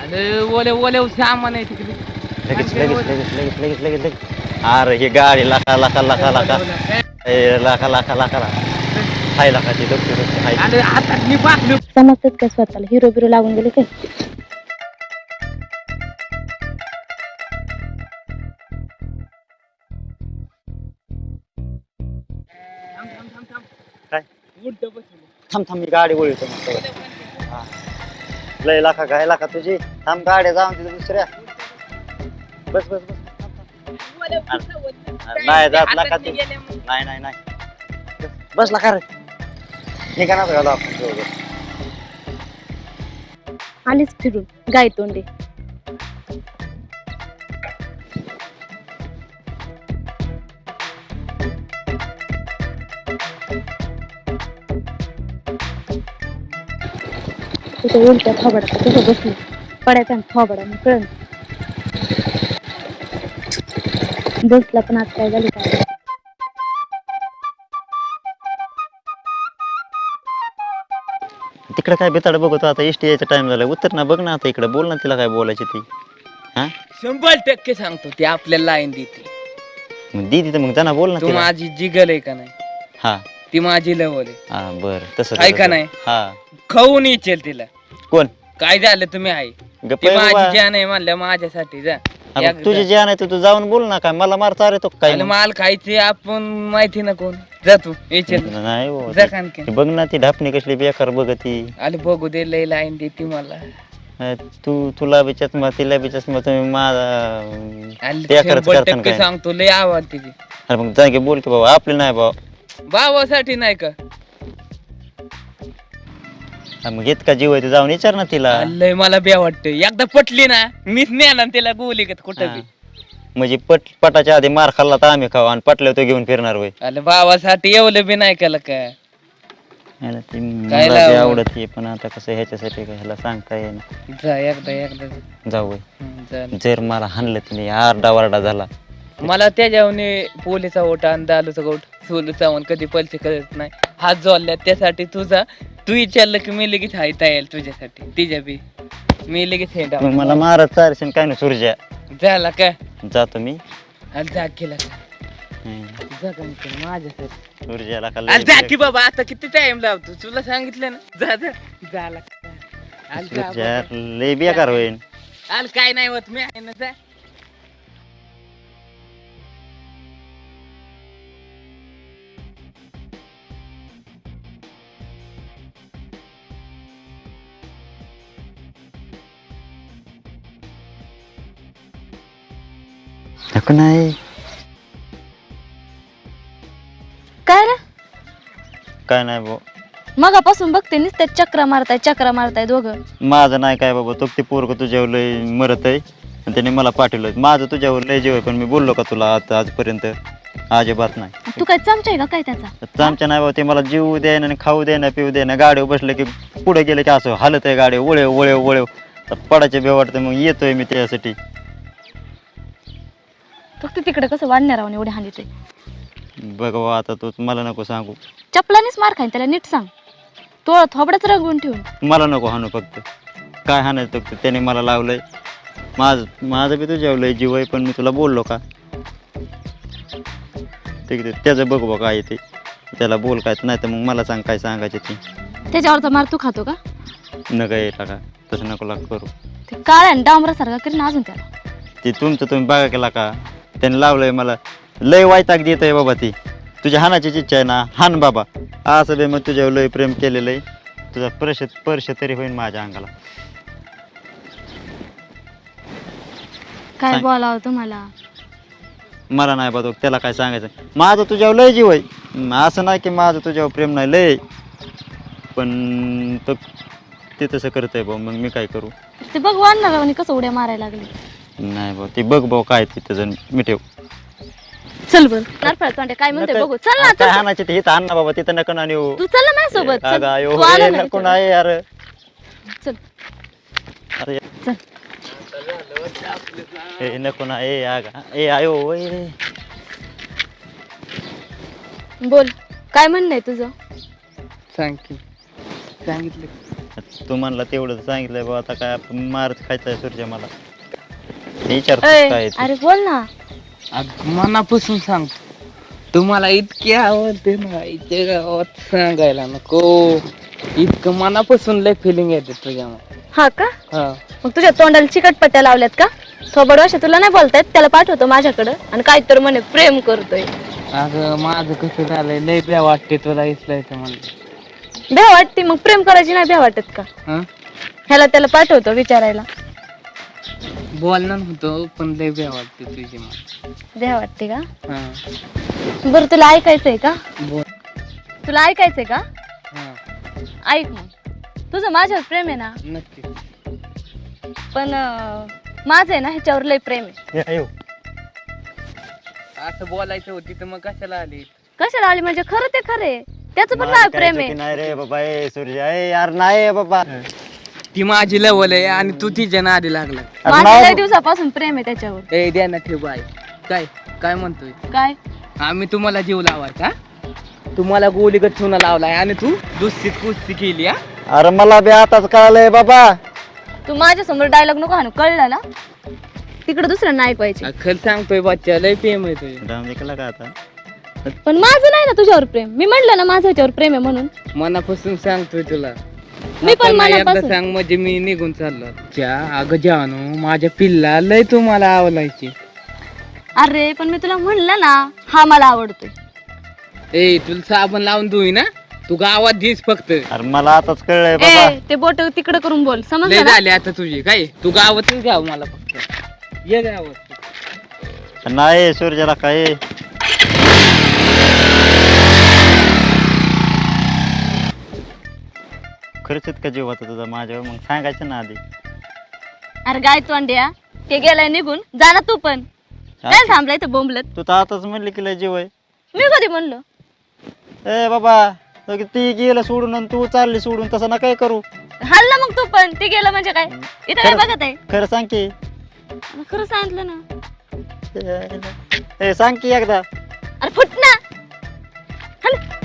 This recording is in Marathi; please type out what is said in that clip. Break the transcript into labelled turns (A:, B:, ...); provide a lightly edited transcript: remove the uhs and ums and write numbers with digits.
A: अरे ओले ओले सामान आहे तिकडे.
B: लगेच लगेच लगेच लगेच लगेच लगेच लगेच. अरे ही गाडी लाका लाका लाका लाका ए लाका लाका लाका हाय लाकाची डॉक्टर हाय.
A: अरे आता मी बाकलो.
C: समजतात काय स्वतःला हिरो बिरो लागून गेले काय?
B: काय
A: उलट बसलो.
B: थांब थांब मी गाडी वळतो मग. हा. लय लाका काय लाका तुझी थांब गाड्या जाऊन तिथे दुसऱ्या बस बस बस नाही जात लाका तू नाही नाही नाही बस लाका रे निघा ना झाला आपण दोघं.
C: आलीच फिरून गाय तोंडे. तिथे उलट्या थोबडा कसं बसली पडायचा थोबडा मग कळण बसला पण आज काय झाली काय
B: तिकडे काय बेताड बघतो आता एसटी यायचा टाइम झाला उत्तर ना बघ ना आता इकडे बोल ना तिला काय बोलायची ती. हा
A: 100% सांगतो ती आपल्याला लाईन देते.
B: मग दीदी तर मग जाना बोल ना
A: तू
B: तिला.
A: माझी जिगल आहे का नाही?
B: हा
A: ती माझी लवल आहे.
B: हा बर तसं
A: आहे का नाही?
B: हा
A: खाऊन येचेल तिला.
B: कोण
A: काय झालं तुम्ही आहे
B: गप्प
A: ती
B: आहे बाबा.
A: माझी जान आहे म्हणल्या माझ्यासाठी जा.
B: हा, मग तुझी जी आहे तू जाऊन बोल ना काय मला मारता रे तो काय
A: आणि माल खायचे आपण माहिती ना कोण जा तू येचेल
B: नाही हो,
A: जा कानके.
B: ती बघ ना ती ढापणी कसली बेकार बघती.
A: आले बघू दे लय लाईन देते मला.
B: तुला बी चष्मा तिला बी चष्मा तुम्ही माझा
A: आले
B: ते खरंच
A: 100%
B: करताना काय
A: सांगतो लय आवाज तिची.
B: अरे मग जागे बोल की बाबा आपले नाही बाबा.
A: भावासाठी नाही का?
B: हा, मग इतका जीव आहे ते जाऊन विचार ना तिला.
A: लय मला बे वाटत एकदा पटली ना मीच नेणार तिला गोली घेत कुठं
B: हा.
A: बी.
B: म्हणजे पटाच्या आधी मार खाल्ला तर आम्ही खाऊ आणि पटल्यावर तो घेऊन फिरणार होय.
A: आले भावासाठी एवढं बी नाही केलं का?
B: ह्याला ती
A: काय
B: मला बी
A: लावलं?
B: आवडत आहे पण आता कसं ह्याच्यासाठी काय ह्याला सांगता येईना.
A: जा एकदा
B: जाऊ होय.
A: जा.
B: जर मला हाणलं तिने आरडा वारडा झाला
A: मला त्याच्यावने पोलीचा ओटा आणि दालूचा गोट सोलू चावून कधी पैसे करत नाही हात जोडल्या त्यासाठी तुझा तू विचारलं की मी लगेच हायता येईल तुझ्यासाठी तिच्या बी मी लगेच हे
B: मग मला मारत चारशे काय ना सुरज्या
A: झाला काय
B: जातो मी
A: अरे जा केला
B: हम्म.
A: माझ्यासाठी
B: सुरज्याला का
A: अरे जा
B: लय-
A: की बाबा आता किती टाइम लावतो तुला सांगितलं ना जा जा झाला अरे जा
B: सुरज्या
A: बाबा.
B: लय बेकार होईल.
A: अरे काय नाही होत मी आहे ना जा.
B: नको नाही
C: काय रे
B: काय नाही भाऊ
C: मगापासून बघते नुसते चक्रा मारताय दोघं.
B: माझं नाही काय बाबा तो ते पोरग तुझ्यावर लय मरत आहे आणि त्याने मला पाठवलं माझं तुझ्यावर लय जीव आहे पण मी बोललो का तुला आता आजपर्यंत अजिबात नाही.
C: तू काय चमचा आहे का काय त्याचा?
B: चामच्या नाही बाबा ते मला जीव द्यायना आणि खाऊ द्यायना पिऊ द्यायना गाडीवर बसलं की पुढे गेलं की असं हालत आहे गाडी वळव वळव वळव पडायचे बे वाटतं मग येतोय मी त्यासाठी.
C: फक्त तिकडे कसं वाढणार आहोत एवढे हानी ते
B: बघ बाबा आता तूच मला नको सांगू
C: चपलानेच मार खाईन त्याला नीट सांग तो थोबडच रंगवून ठेवून
B: मला नको हाणू फक्त काय हाणायचं फक्त त्याने मला लावलंय माझं बी तुझ्यावर लय जीव आहे पण मी तुला बोललो का ठीक आहे त्याचं बघ बघ काय ते त्याला बोल काय नाही तर मग मला सांग काय सांगायचे ते
C: त्याच्यावरचा मार तू खातो का?
B: नका येता का तसं नको लाग करू
C: ते काळ्या डांबरासारखा करीन अजून त्याला.
B: ते तुमचं तुम्ही बघा केला का त्याने लावलंय मला लय वायताक देत आहे बाबा ती तुझ्या हानाचीच इच्छा आहे ना हान बाबा असं बे मग तुझ्यावर लय प्रेम केलेलं आहे तुझा स्पर्श तरी होईल माझ्या अंगाला.
C: काय
B: सांग.
C: बोलावं तुम्हाला?
B: मला नाही बघ त्याला काय सांगायचं माझं तुझ्यावर लय जीव आहे असं नाही की माझं तुझ्यावर प्रेम नाही लय पण तो ते तसं करतंय भाऊ मग मी काय करू.
C: ते बघ वाढणार आणि कसं उड्या मारायला लागले.
B: नाही भाऊ ते बघ भाऊ काय तिथं जण मिठेव
C: चल बर नारफळ तोंडे काय म्हणते बघू. चल ना
B: काय
C: चल.
B: हाणायचे ते इथं आण ना बाबा तिथं नको ना नेऊ.
C: तू चल ना माझ्यासोबत. चल.
B: अगं आयो
C: तू आला
B: हे
C: नाही
B: नको
C: इथं.
B: नाही यार
C: चल
B: अरे
C: चल.
B: ए नको ना ए आगा ए आयो ए
C: बोल काय म्हणणं आहे तुझं?
A: सांग की सांगितलं
B: तू म्हणला तेवढं सांगितलंय बाबा, आता काय आपण मारच खायचा सूर्य मला विचार
C: ऐ,
B: काय ते.
C: अरे बोल ना.
A: अगं मनापासून सांगतो, तुम्हाला इतकी आवडते ना इथे गावात सांगायला नको. इतकं मनापासून लय फिलिंग येते तुझ्यामध्ये.
C: हा का?
A: हा
C: मग तुझ्या तोंडाला चिकटपट्ट्या लावल्यात का? थोबड वर्ष तुला नाही बोलतायत, त्याला पाठवतो माझ्याकडं आणि काय तर म्हणे प्रेम करतोय.
A: अगं माझं कसं झालंय, लय भ्या वाटते तुला इचलायचं म्हणलं.
C: भ्या वाटते मग प्रेम करायची नाही भ्या वाटत का?
A: हा
C: ह्याला त्याला पाठवतो विचारायला.
A: बोलणार होतो पण लय भ्या वाटते तुझी मला.
C: भ्या वाटते का?
A: हा
C: बरं तुला ऐकायचंय का?
A: बोल.
C: तुला ऐकायचंय का?
A: हा
C: ऐक मग. तुझं माझ्यावर प्रेम आहे ना,
A: नक्की.
C: पण माझं आहे ना ह्याच्यावर लय प्रेम आहे.
B: हे आयो.
A: असं बोलायचं होती तर मग कशाला आली?
C: कशाला आली म्हणजे खरं ते खरे, त्याचं पण
B: माझं
C: माझ्यावर
B: काय
C: प्रेम
B: चुकी
C: आहे.
B: नाही रे बाबा, ए सूर्य, ए यार नाही बाबा.
A: ती माझी लवल आहे आणि तू तिच्या नादी लागला.
B: अरे
C: माझं
B: नाही.
C: लय दिवसापासून प्रेम आहे त्याच्यावर.
A: ए द्या ना ठेव बाय. काय काय म्हणतोय?
C: काय?
A: आम्ही तुम्हाला जीव लावाय का? तुम्हाला गोलीगत चुना लावलाय आणि तू दुसरीच कुस्ती केली. हा
B: अरे मला बी आताच कळलंय बाबा.
C: तू माझ्या समोर डायलॉग नको हाणू, कळलं ना? तिकडे दुसऱ्यांना ऐकवायचे.
A: खरं सांगतोय बच्चा, लय प्रेम आहे तुझं.
B: राम ऐकला का आता?
C: पण माझं नाही ना तुझ्यावर प्रेम. मी म्हणलं ना माझं ह्याच्यावर प्रेम आहे म्हणून.
A: मनापासून सांगतोय तुला.
C: मी पण
A: आता नाही एकदा
C: मनापासून.
A: सांग म्हणजे मी निघून चाललो. च्या अगं जानू, माझ्या पिल्ला लय तुम्हाला आवडायची.
C: अरे पण मी तुला म्हणलं ना हा मला आवडतोय.
A: ए तुला साबण लावून धुई ना, तू गावात दिस फक्त.
B: अरे मला आताच कळलंय बाबा.
C: ए ते बोट तिकडे करून बोल,
A: लय
C: समजलं ना?
A: झाले आता तुझी. काय तू गावातच घ्याव मला फक्त. ये गावात.
B: नाही सूर्याला काय खरंच इतका जीव होता तुझा माझ्यावर, मग सांगायचं ना आधी.
C: अरे गाय तोंड्या, ते गेलाय निघून, जा ना तू पण. काय थांबलाय तर बोंबलत?
B: तू तर आताच म्हणली की लय जीव आहे.
C: मी कधी म्हणलो?
B: ए बाबा, तो की ती गेलं सोडून आणि तू चालली सोडून, तसं ना काय करू.
C: हल्ला मग तू पण, ते गेलं म्हणजे काय? इथं काय बघत आहे?
B: खरं सांग की.
C: खरं सांगितलं ना.
B: ए सांग की एकदा.
C: अरे फुट ना. हल.